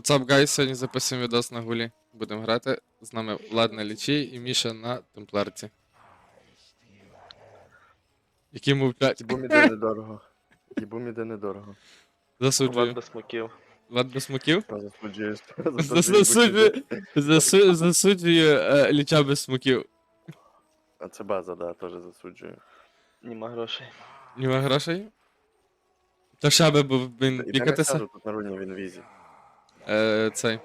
What's up, guys? Сьогодні записуємо відос на гулі. Будемо грати. З нами Влад на лічі і Міша на темпларці. Які мовчать. Їбом іде недорого. Їбом іде недорого. Засуджую. Влад без смоків. Влад без смоків? Та засуджуєш. Засуджую ліча без смоків. А це база, да, теж засуджую. Нема грошей. Нема грошей? Та ще би був він І де не пікатися. сяду, тут на руні в інвізі. Цей.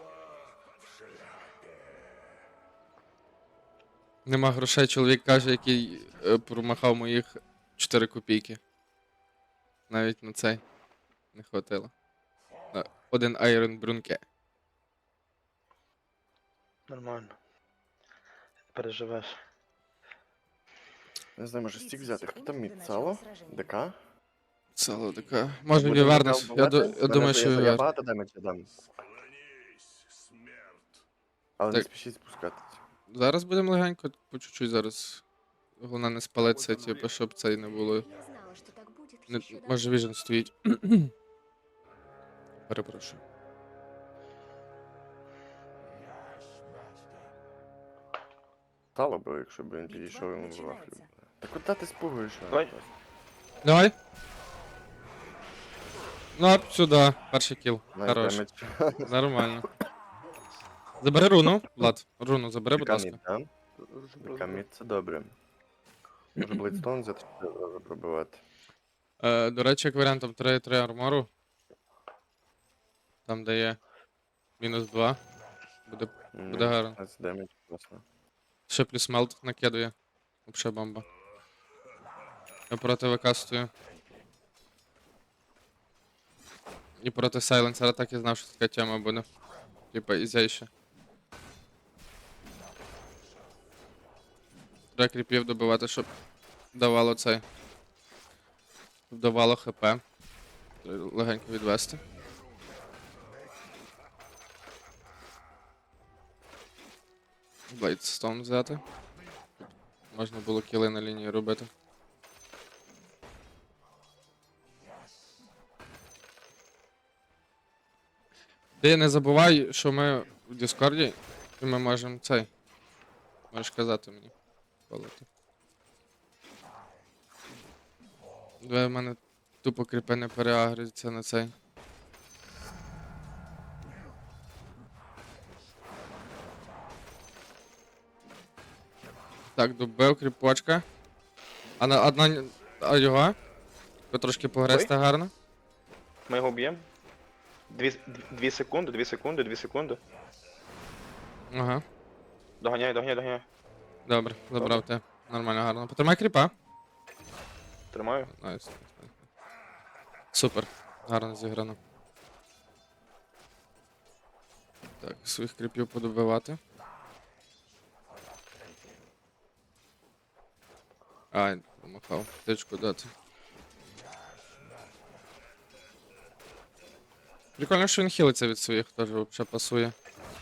Нема грошей, чоловік каже, який промахав моїх 4 копійки. Навіть на цей не хватило. На один айрон брунке. Нормально. Переживеш. Не знаю, може стік взяти. Хто там мід? Сало? ДК? Сало така. Може Будемо Вівернес. Я вбивати? думаю, що Я Вівер. багато демеджа дам. Але не Так. спішіть спускатись. Зараз будемо легенько, по чуть-чуть зараз. Головне не спалитися, типу, щоб цей не було. Я знала, что так будет Не, ещё може Віжен стоїть. Перепрошую. Стало би, якщо б він підійшов йому в вафлю. Та куди ти спугуєш? Давай. Давай. Ну, оп, сюди. Перший кіл. Хорош. Демедж. Нормально. Забери руну, Влад. Руну забери, будь ДК ласка. мід, да? ДК мід, це добре. Може Блейдстоун взяти, щоб одразу пробивати. До речі, як варіант, там 3 армору. Там де є мінус 2. Буде гарно. 15 демедж, класно. Ще плюс мелт накидує. Вообще бомба. Я проти ВК стою. І проти сайленсера так і знав, що така тема буде. Типа ізяйше. Треба кріпів добивати, щоб давало цей. Щоб давало ХП. Треба легенько відвести. Блейдстоун взяти. Можна було кіли на лінії робити. Ти не забувай, що ми в Діскорді, і ми можемо цей. Можеш казати мені. Колоти. Давай в мене тупо кріпи не переагрюються на цей. Так, добив кріпочка. А на одна. А його? Трошки погрести гарно. Ми його б'ємо. 2 секунди, 2 секунди, 2 секунди. Ага. Доганяй, доганяй, доганяй. Добре, забрав те. Нормально, гарно. Потримай кріпа. Тримаю. Найс. Супер. Гарно зіграно. Так, своїх кріпів подобивати. Ай, помахав. Тичку дати. Прикольно, що він хілиться від своїх, теж взагалі пасує.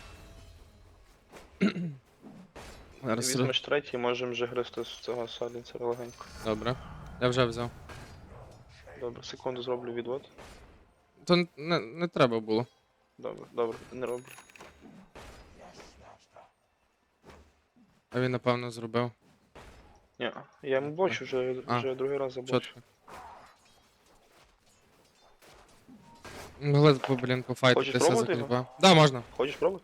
Зараз Візьмеш третій, можемо вже гристи з цього салінцера легенько. Добре. Я вже взяв. Добре, секунду зроблю відвод. То не треба було. Добре, добре, не роблю. А він, напевно, зробив. Ні, я йому бачу, вже другий раз забачу. Чотко. Могли, блін, пофайтитися за пробувати кріпа. Да, можна. Хочеш пробувати?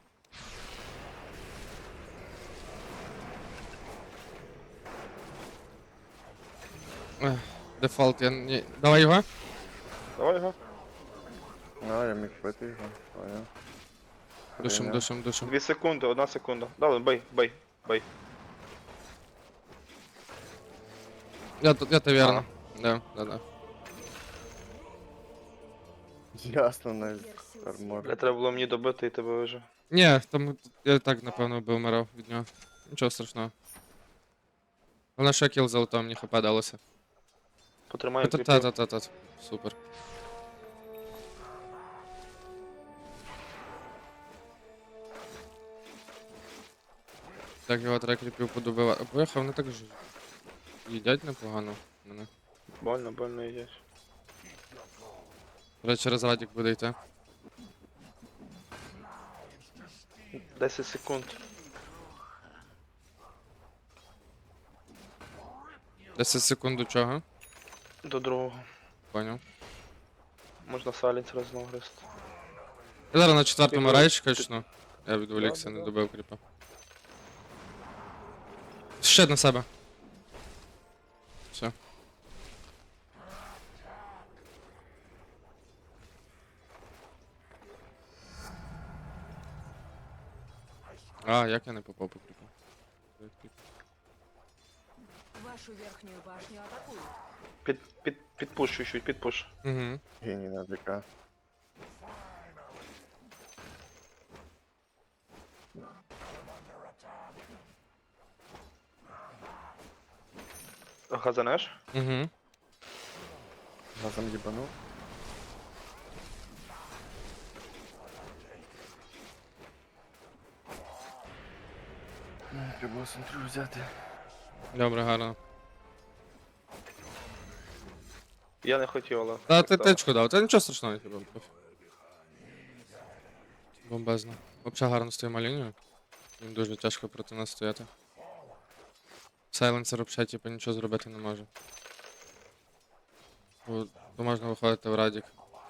Дефолт, я не... Давай його. Давай його. А, я міг пити його. Понял. Душим, душим, душим. 2 секунди, 1 секунда. Давай, бей, бей, бей. Я то вірно. Да. Ясно, найс. Армор. Бля, треба було мені добити і тебе вижив. Ні, там я так, напевно, би вмирав від нього. Нічого страшного. Головне, що я кіл золотом, мені хп далося. Потримаю кріпів. Та-та-та-та. Супер. Так, його треба кріпів подобивати. Поїхав, вони так ж їдять непогано мене. Больно йдеш. До речі, розвадік буде йти. 10 секунд. 10 секунд до чого? До другого. Поняв. Можна салінцера знову гристи. Я зараз на четвертому Ти- райчі ти- качну. Я відволікся, не Да. добив кріпа. Ще на себе. Все. А, як я не попав по кріпу? Вашу верхнюю башню атакуют. Підпуш чуть-чуть, підпуш. Угу. Геній на ДК. Газанеш? Угу. Газом їбанув. Треба було центру взяти. Добре, гарно. Я не хотів, але... Та так ти стало. тичку дав, та нічого страшного, типу. Бомбезно. Взагалі гарно стоїмо лінію. Їм дуже тяжко проти нас стояти. Сайленсер взагалі, типу, нічого зробити не може. То можна виходити в радік.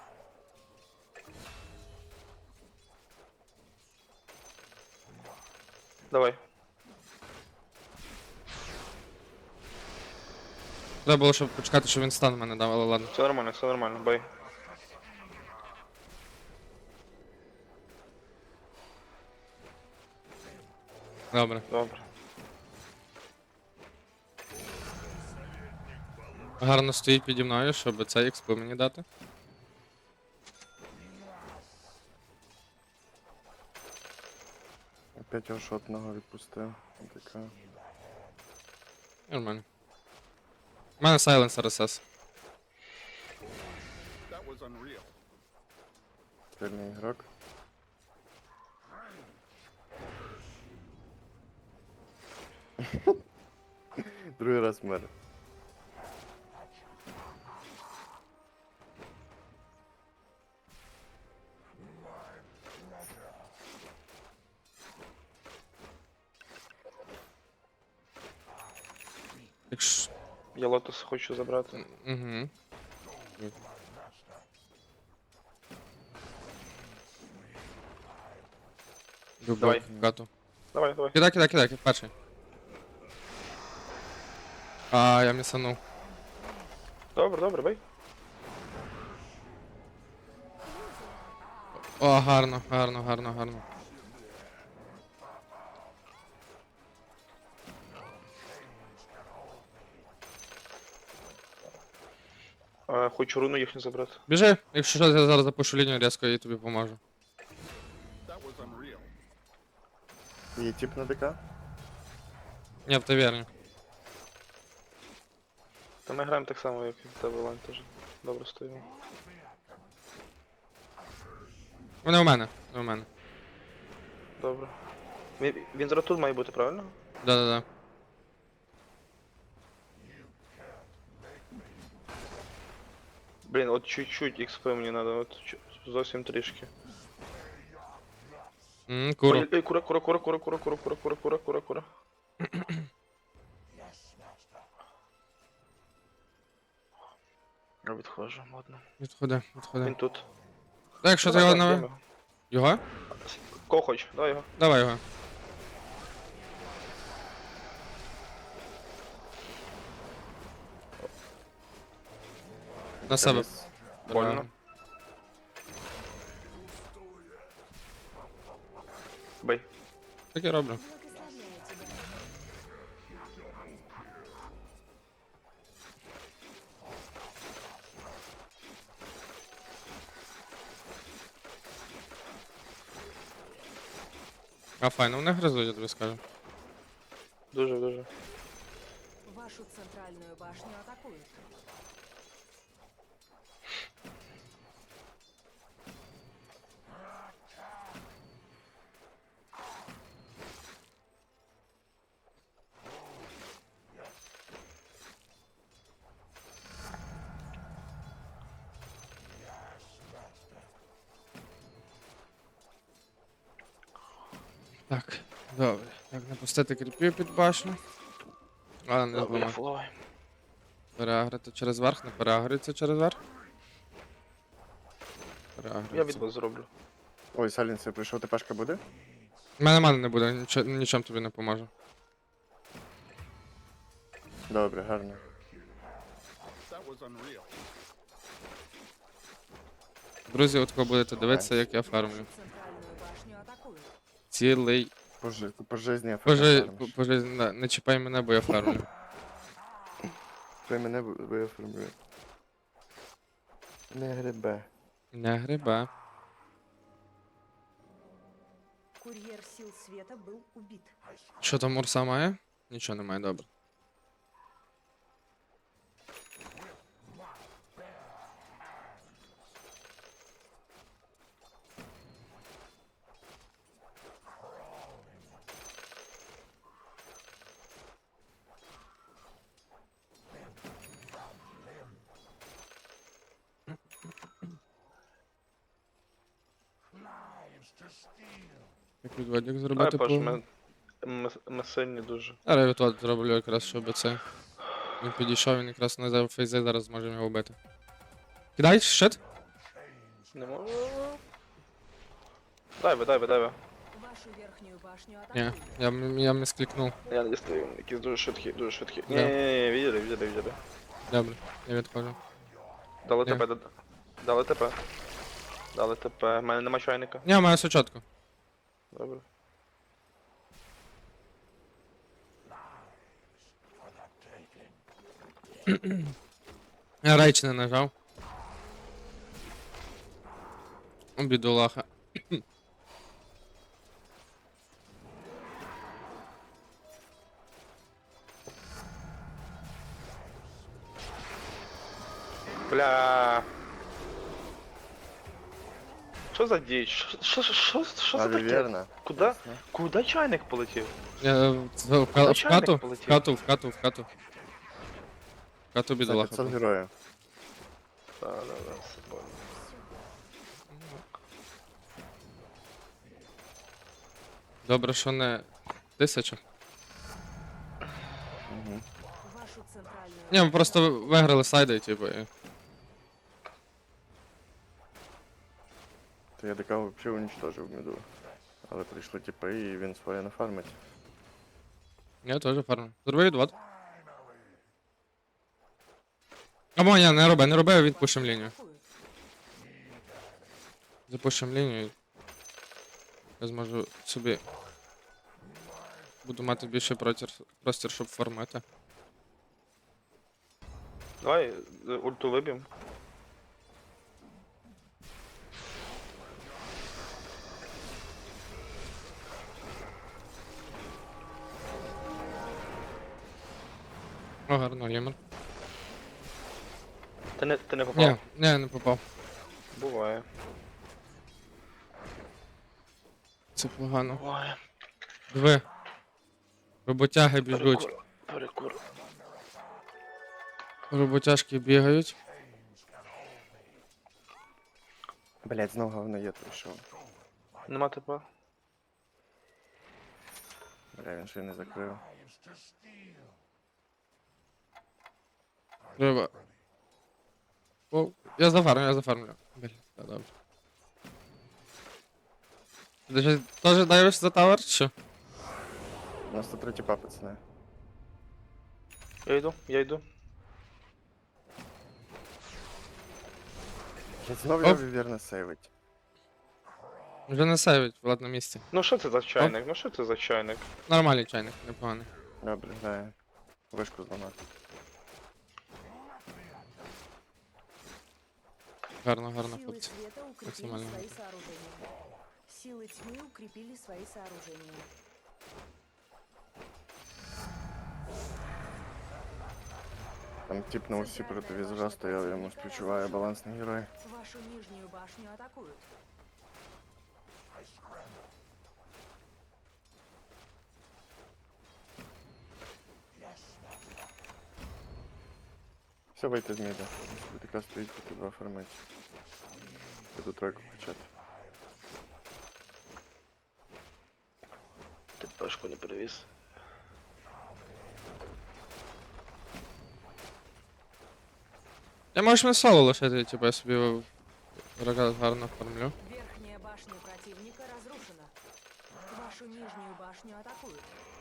Давай. Треба було, щоб почекати, що він стан мене дав, але ладно. Все нормально, бей. Добре. Добре. Гарно стоїть піді мною, щоб цей експо мені дати. Опять його шотного відпустив. ДК. Нормально. У мене сайленсер СС. Сильний ігрок. Другий раз мер. Якщо... Я лотос хочу забрати. Угу. Давай. Гату. Давай. Кидай, перший. А, я місанув. Добре, бей. О, гарно. Хочу руну їхню забрати. Біжи, якщо що, я зараз запушу лінію різко і тобі поможу. Є тип на ДК? Ні, в таверні. Та ми граємо так само, як і в тебе лайн теж. Добре стоїмо. Вони у мене. Добре. Він зараз тут має бути, правильно? Да. Блін, от чуть-чуть XP мені надо, от зовсім трішки. Куру. Ой, кура. Я відходжу, ладно. Відходи. Він тут. Так, якщо ти Давай, його давай, на... йдемо. Його? Кого хоч, давай його. Давай його. На себе. Каміс. Больно. Бей. Так і роблю. Благословляю тебя. А файно, вони гризуть, я тобі скажу. Дуже. Вашу центральную башню атакуют. Так, добре. Так, напустити кріпів під башню. Але не Добре, я зламати. фуловий. Переагрити через верх, не переагриться через верх. Я Переагриться. відбор зроблю. Ой, Салінс, я прийшов, ТПшка буде? У мене мани не буде, нічим тобі не поможе. Добре, гарно. Друзі, от кого будете дивитися, як я фармлю. Вашу центральную башню атакуют. Цілий. По житті АФК Боже, фармиш. не чіпай мене, бо я фармлю. Ти мене виоформлює. Не грибе. Не гриба. Курьер сил света был убит. Що там Урса має? Нічого немає, добре. Як відводик Давай, зробити Паш, по... ми сильні дуже. Зараз я відвод зроблю якраз, щоб це... Він підійшов, він якраз на фейзи, зараз зможемо його вбити. Кидай, щит? Не можу. Дайве. Вашу верхнюю башню Ні, атакуют. я місклікнув. Я не дістаю, якісь дуже швидкі, дуже швидкі. Да. Ні, видели. Добре, я відходжу. Дали Ні. ТП, дали ТП. Дали ТП. У мене нема чайника. Ні, маю сучатку. Добре. Я рейч не нажав. Бідолаха. Бля. Що за діч? Що за Але таке? вірно. Куда чайник полетів? Я в хату, Начальник полетів. в хату. В хату За бідолаха. 500 героїв. Да, все понял. Добре, що не 1000. Угу. Вашу центральную Ні, ми башню просто виграли сайди, типу. І... То я ДК взагалі уничтожив міду. Але прийшли типи і він своє не фармить. Я теж фармлю. Зроби відвод. Або ні, не роби, відпушимо лінію. атакуют. Запушимо лінію. Я зможу собі. Буду мати більше простір, щоб фармити. Давай ульту виб'єм. О, гарно, лімер. Ти не попав? Ні, не попав. Буває. Це погано. Буває. Диви. Роботяги біжуть. Перекур. Роботяжки бігають. Блять, знову говно є прийшов. Нема ТП? Бля, він ще й не закрив. Треба. О, я зафармлю. Блін, так, добре. Ти ж теж дайвиш за тавер, чи що? У нас тут 3 тіпа, пацани. Я йду. Я знову я Оп. вірно сейвить. Вже не сейвить, Влад на місці. Ну що це за чайник? Ну що це за чайник? Нормальний чайник, непоганий. Добре, грає. Вишку зламати. Гарно, Силы хлопці. света укрепили Максимально. свои сооружения. Силы тьмы укрепили свои сооружения. Там тип на усі проти візора стояв, йому співчуває балансний герой. Вашу нижнюю башню атакуют. Все, вийти з міда. Така стоїть, тут два фармить. Буду тройку качати. Пешку не перевіз. Я можеш мене соло лишити, типу, я собі гарно кормлю. Верхняя башня противника разрушена. Вашу нижнюю башню атакуют.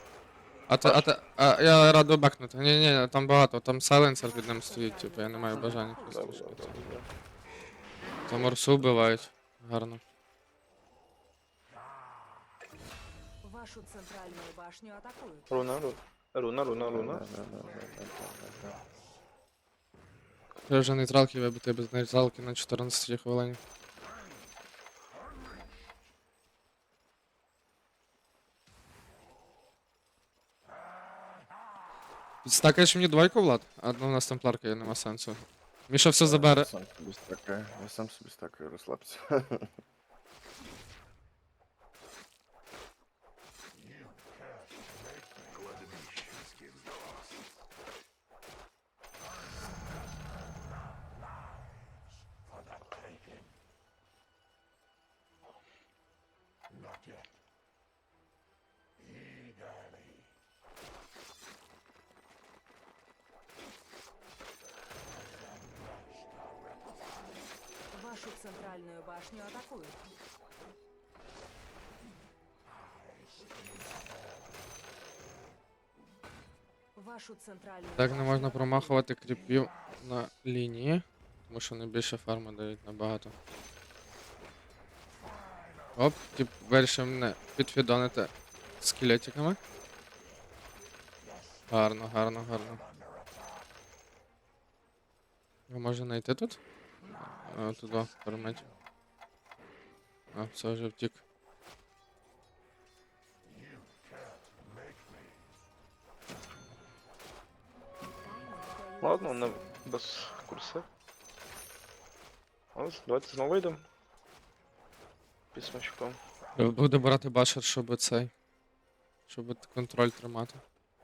Я радий бекнути. Ні, там багато, там сайленсер під ним стоїть, типу, я не маю бажання просто Добре, лишити. добре, добре. Там орсу вбивають. Гарно. Вашу центральную башню атакуют. Руна. Да. Я вже нейтралки вибити без нейтралки на 14 хвилині. Підстакаєш мені двойку, Влад? А ну, у нас темпларка є, нема сенсу. Міша все забере. Я сам собі стакаю, розслабся. Вашу центральную башню атакуют. Вашу центральную Так не башню можна атакуют. промахувати кріпів на лінії, тому що вони більше фарми дають набагато. Оп, тип вирішив мене підфідонити скелетиками. Гарно. Його може знайти тут? Туди, перемить. А, все вже втік. Ладно, не без курсу. Ось, давайте знову вийдемо. Під смачком. Буде брати башер, щоб цей. Щоб контроль тримати.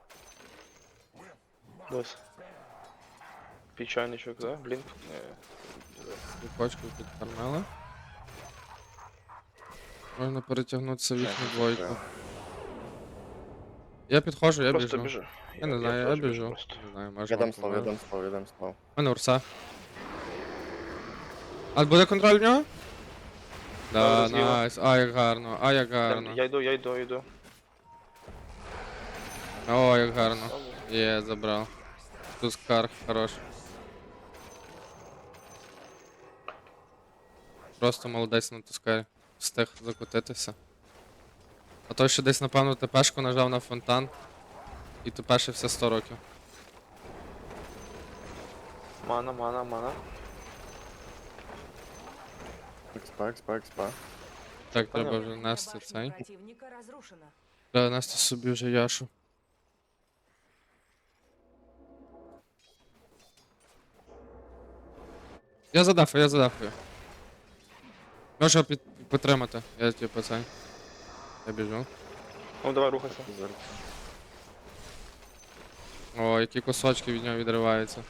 Дось. Печальничок, да? Блінк. Кочку підкормили. Можна перетягнутися в їхню двойку. Я підходжу, я Просто біжу. біжу. Я не знаю, я теж біжу. просто. Не знаю, може Я дам вам слово, помилу. я дам слово. У мене урса. А буде контроль в нього? Да, Зараз його. найс. А, як гарно, а як гарно. Я йду. О, як гарно. Є, забрав. Тускар, хорош. Просто молодець на тускарі. Встиг закотитися. А той, що десь, напевно, ТПшку нажав на фонтан. І тупешився 100 років. Мана. Експа. Так, треба Понятно. вже Верхняя нести башня цей. противника разрушена. Треба нести собі вже яшу. Я задафую. Можу підтримати. Я типу цей. Я біжу. Ну давай рухайся. О, які кусочки від нього відриваються.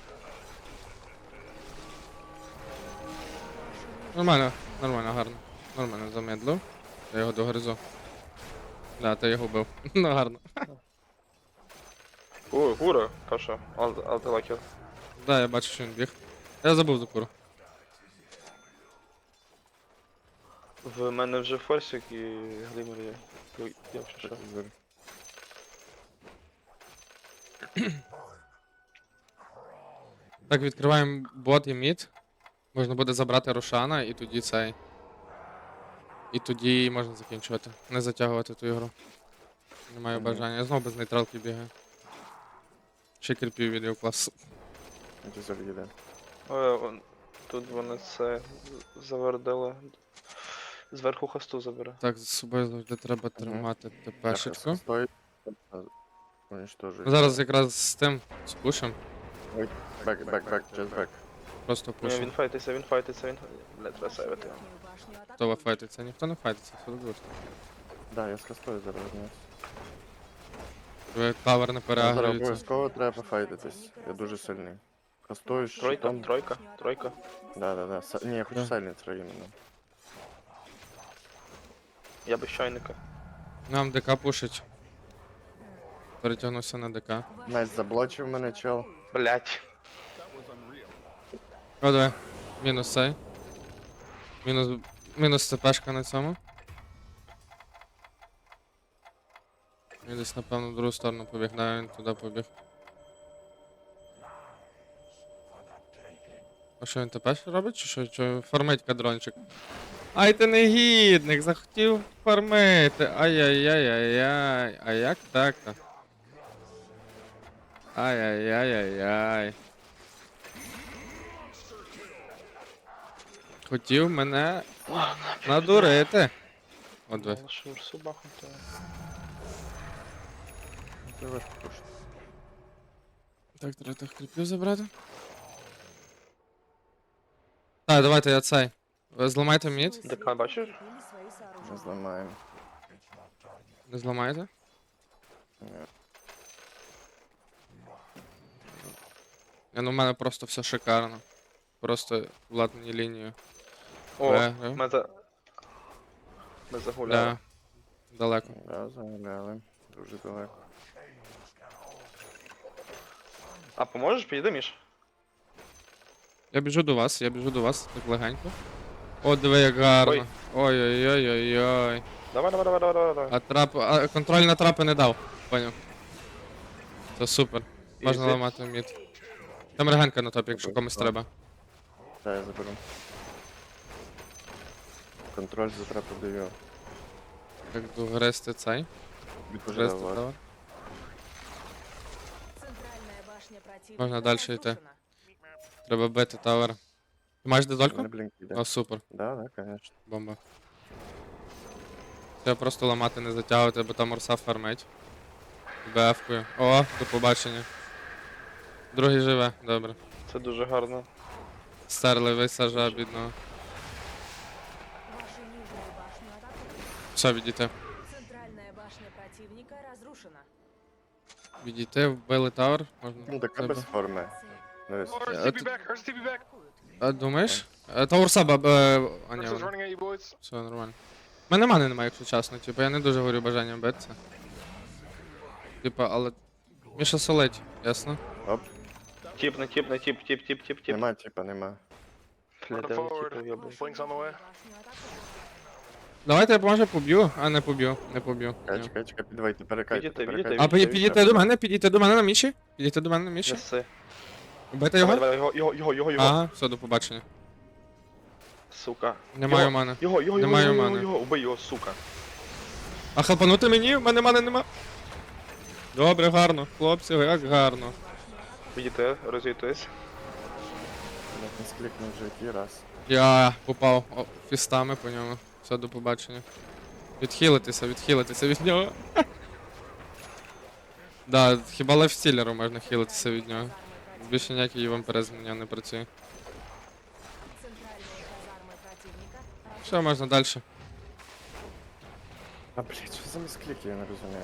Нормально, гарно. Нормально замедлив. Я його догризу. Да, ти його вбив. Ну гарно. Ой, гура, каша. Алтелакер. Да, я бачу, що він біг. Я забув за куру. В мене вже форсик і глимер є. Я вже що. Так, відкриваємо бот і мід. Можна буде забрати Рошана і тоді цей. І тоді можна закінчувати. Не затягувати ту ігру. Не маю бажання. Я знову без нейтралки бігаю. Ще кріпів відео клас. Заліде. Тут вони це завердили. Зверху хосту забере. Так, з собою завжди треба тримати ТПшечку. Стоїть. Уничтожить. Зараз якраз з тим спушим. Бек, just back. Просто Ні, пушим. він файтиться. Бля, треба сейвити. Верхнюю башню Хто атакуют. файтиться? Ніхто не файтиться, все добре. Да, я з костою зараз вернусь. Ви тавер не Зараз переагрується. обов'язково треба пофайтитись. Я дуже сильний. Костою з щитом. Тройка. Да. Ні, я хочу Да. сайленсера іменно. Я без чайника. Нам ДК пушить. Перетягнувся на ДК. Ваши Навіть заблочив мене чел. Блять. О, давай. Мінус цей. Мінус ЦПшка на цьому. Він десь, напевно, в другу сторону побіг. Да, він туди побіг. А що він ТП робить? Чи що? Чи фармить кадрончик? Ай, ти негідник! Захотів фармити! Ай-яй-яй-яй-яй! А як так-то? Ай-яй-яй-яй-яй. Хотів мене надурити. От ви. Лише урсу бахнути. Це важко пушити. Так, треба тих кліпів забрати. Так, давайте я цей. Ви зламайте мід. ДК бачиш? укрепили свои Не сооружения. зламаємо. Не зламаєте? Ні. Ну, в мене просто все шикарно. Просто владні лінію. О, Виграв. ми загуляли. Да. Далеко. Да, загуляли. Дуже далеко. А поможеш? Підійди, Міш? Я біжу до вас, так легенько. О, диви, як гарно. Ой. Ой-ой-ой-ой-ой. Давай. А контроль на трапи не дав. Поняв. Це супер. Можна Ізі. ламати мід. Там регенка на топі, якщо комусь треба. Так, я заберу. Контроль за трапу даю. Як догрести цей. Відпожидав Грести вас. давай. Центральная башня противника Можна дальше йти. разрушена. Треба бити тавер. Ти маєш дезольку? Мене блінк іде. О, супер. Да, конечно. Бомба. Треба просто ламати, не затягувати, бо там урса фармить. БФ-кою. О, до побачення. Другий живе, добре. Це дуже гарно. Стерли висажа бідного. Вашу нижнюю башню атакуют. Все, відійти. Центральная башня противника разрушена. Відійти, вбили тавер. Можна. Ну, така без форми. Дивись. А думаєш? Та урса А, ні, вона. Все нормально. У мене мани немає, якщо чесно. Типу, я не дуже горю бажанням битися. Типа, але. Міша солить, ясно? Оп, Тіп. нема, типа, нема. Бля, де ви тіпи йобли? Вашу нижнюю башню атакуют. Давайте я може поб'ю. А, не поб'ю. Не поб'ю. Ні. Чекай, підвайте, перекайте, Підійти, перекайте. А підійти до мене, підійти до мене на міші? Підійти до мене на міші? Неси. Вбити Давай, його? його. Ага, все, до побачення. Сука. Немає Його. мани. Його. мани. Убий його, сука. А хелпанути мені? В мене мани нема. Добре, гарно. Хлопці, як гарно. Підійти, розійтись. Не склікнув вже який раз. Я попав фістами по ньому. Все, до побачення. Відхилитися від нього. Да, хіба лайфстілеру можна хилитися від нього. Більше ніякий вампиризм на нього не працює. Центральные казармы противника Все, можна далі. А, блядь, що за міскліки, я не розумію.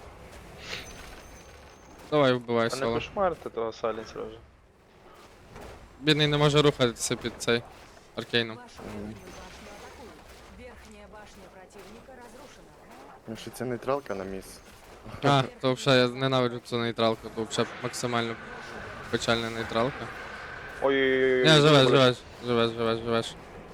Давай вбивай А не соло. кошмарити того сайленсера вже. Бідний не може рухатися під цей аркейном. Вашу нижнюю башню атакуют. Верхняя башня противника разрушена. Ну що це нейтралка на міс. А, то взагалі я ненавиджу цю нейтралку, то взагалі максимально печальна нейтралка. Ой-ой-ой. Не, живеш.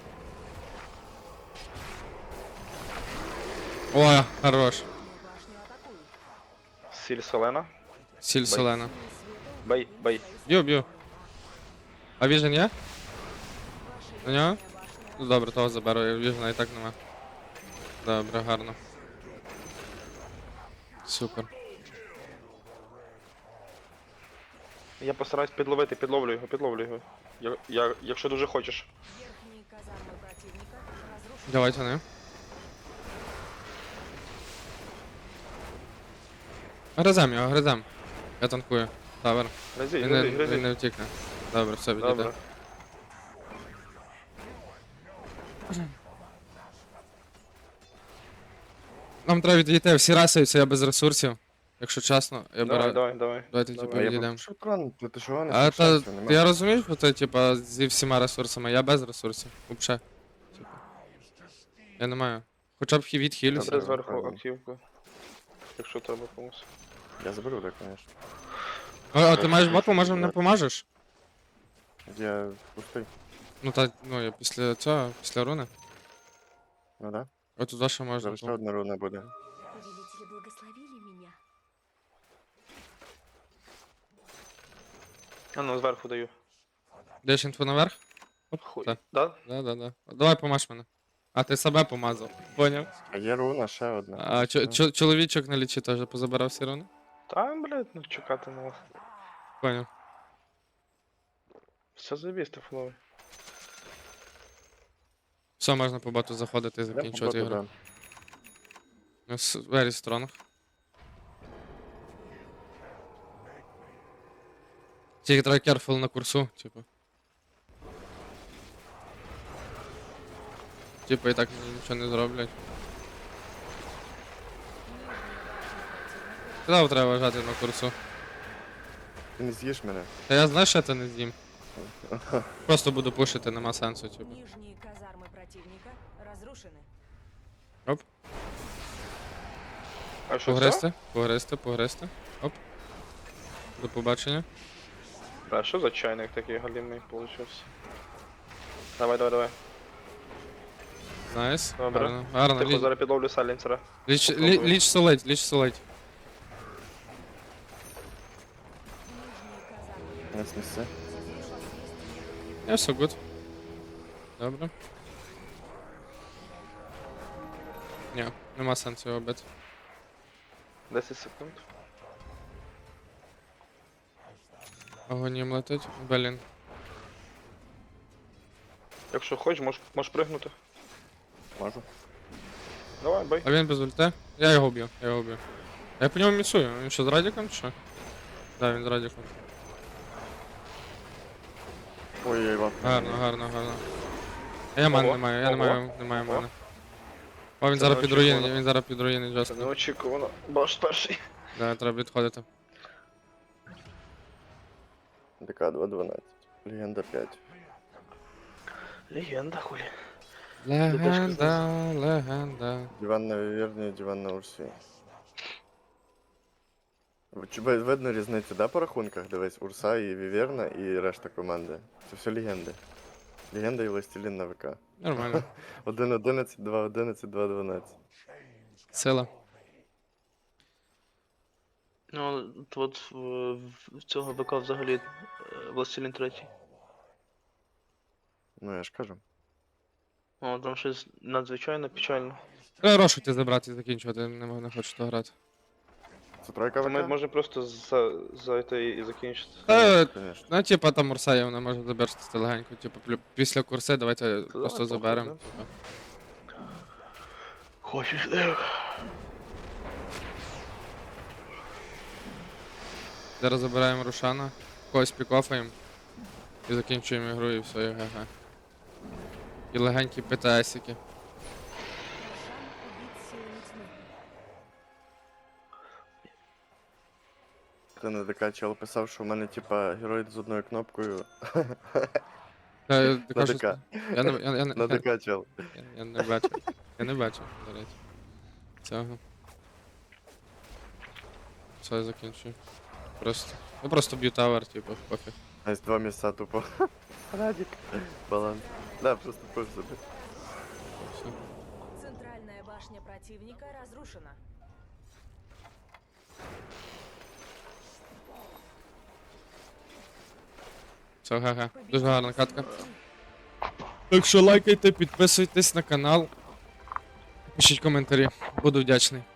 Ой, хорош. Верхнюю башню атакуют. Сіль солена. Сіль солена. Бей. Б'ю. А віжен є? Ваша На нього? верхняя башня Ну добре, того заберу, віжена і так нема. Добре, гарно. Супер. Я постараюсь підловлю його. Якщо дуже хочеш. Верхние казармы противника разрушены. Давайте не. Гризем. Я танкую. Тавер. Гризи. Він не втікне. Добре, все, відійде. Добре. Нам треба відійти, всі расуються, я без ресурсів. Якщо чесно, я беру. Давай. Давайте типу А я відійдемо. попрошу трон, ти чого не А то спішайся, нема. я розумію, що ти типа зі всіма ресурсами, я без ресурсів. Вообще. Типа. Я не маю. Хоча б відхилюся. Добре, Все, зверху правильно. активку. Якщо треба комусь. Я заберу, так, конечно. А ти маєш боту, може не помажеш? Я пустий. Ну я після цього, після руни. Ну да. От туди ще можна. Зараз ще одна руна буде. Повелители благословили меня. А ну, зверху даю. Деш інфу наверх? Хуй. Так. Да? Да. Давай помаж мене. А ти себе помазав. Поняв? А є руна, ще одна. А чоловічок на лічі теж позабирав всі руни? Та, блядь, ну чекати на вас. Поняв. Все заєбісь, фуловий. Все, можна по боту заходити і Я закінчувати поботу ігру. дам. Very strong. Тільки треба careful на курсу, типу. Типу і так нічого не зроблять. Куди треба вважати на курсу? Ти не з'їш мене. Та я знаю, що це не з'їм. Просто буду пушити, нема сенсу, типу. Нижние казармы противника разрушены. А що це? Погризти. Оп. До побачення. А що за чайник такий галімий получився? Давай. Найс. Добре. Гарно. Типу, зараз підловлю сайленсера. Ліч солить. Нижние казармы Не снеси. Я все good. Добре. Ні, нема сенсу його бити. 10 секунд. Агонім летить. Блін. Якщо хочеш, можеш пригнути. Можу. Давай, бай. А він без ульти? Я його вб'ю. Я по ньому місую. Він що, з радіком чи що? Да, він з радіком. Ой-ой, ладно. Гарно. А я мани Ого, не маю, я не маю ого. мани. О, він Це зараз під неочікувано. руїни, він зараз під руїни Це жорстко. неочікувано. Баш перший. Да, треба відходити. ДК 2.12. Легенда 5. Легенда, хулі. Легенда. Диван на Віверні, диван на Урсі. Видно різницю, да, по рахунках? Дивись, Урса і Віверна і решта команди. Це все легенди. Легенда і Властелін на ВК. Нормально. 1.11, 2.11, 2.12. Сила. Ну, от в цього ВК взагалі Властелін третій. Ну я ж кажу. О, там щось надзвичайно печально. Треба рошити забрати і закінчувати, не хочу то грати. Це тройка Ми ВК? можемо просто зайти і закінчити. Конечно. Ну, типа там Урсає, вона може заберти легенько. Типу, після курси давайте просто похуй, заберемо. да. Типу. Хочеш? Зараз забираємо Рушана, когось пікофаємо і закінчуємо ігру і все, і ГГ. І легенькі ПТСики. Жан убит силами тьмы. Ти на ДК чел писав, що в мене типа герой з одною кнопкою. Ти На кажеш, ДК. я На ДК чел. не бачу. Я не бачу, до речі. Цього. Все, я закінчую. Я просто б'ю тавер, типу, пофіг. Ось два місця тупо. Радік. Баланс. Да, просто пив собі. Все. Центральная башня противника разрушена. Все, ГГ. Дуже гарна катка. Силами тьмы. Так що лайкайте, підписуйтесь на канал. Пишіть коментарі. Буду вдячний.